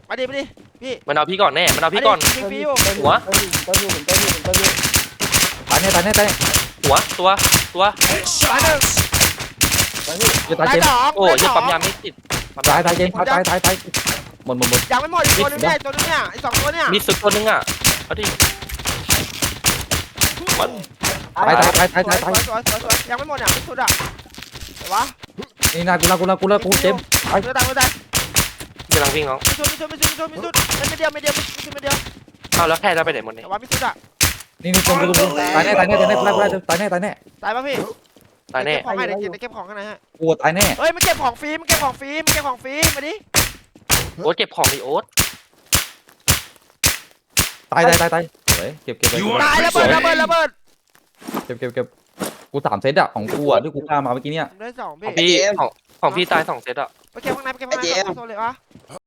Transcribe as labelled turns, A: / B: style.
A: มาดิพี่
B: มันเอาพี่ก่อนแน่มันเอาพี่ก่อน
A: ยิงฟรีอยู่
B: หัว
C: ต้นอยู่
D: ตายแน่
B: หัวตัว
A: ตายหนึ่ง
D: จะตาย
A: ตาย
D: เจน
A: สอง
B: โอ้ยปั๊มยาไม่ติด
D: ตายเจนตายหมด
A: ยังไม่หมดอีกตัวนึงเนี่ยตัวนึงเนี่ยอีก2ตัวเนี่ย
B: มีสุดตัวนึงอ่ะเอาดิมัน
D: ตาย
A: สวยยังไม่หมดเนี่ยไม่สุดอ่ะแต่วะ
D: นี่นากูเจม
A: ตายตาย
B: กำลังวิ่งน้อง
A: ไม่สุดไม่เดียว
B: เอาแล้วแค่จะไปไหนหมดเนี่ย
A: แต่ว่าไม่สุดอ่ะ
D: นี่ตรงตายแน่ตายแน่
A: ตายป่ะพี่
B: ตายแน่
A: เก็บของให้เดี๋ยวเก็บของข้างในฮะ
D: กูตายแน่
A: เฮ้ยมันเก็บของฟรีมาดิ
B: โอ๊ตเก็บของดิโอ๊ต
D: ตายเฮ้ยเก็บ
A: ตายระเบิด
D: เก็บกู3เซตอะของกูอะที่กูฆ่ามาเมื่อกี้เนี่ย
A: ได้2
B: ของ
A: พี่
B: พี่ของพี่ตาย2 เซตอ่ะ
A: ไปเก็บข้างในโซนเลยวะ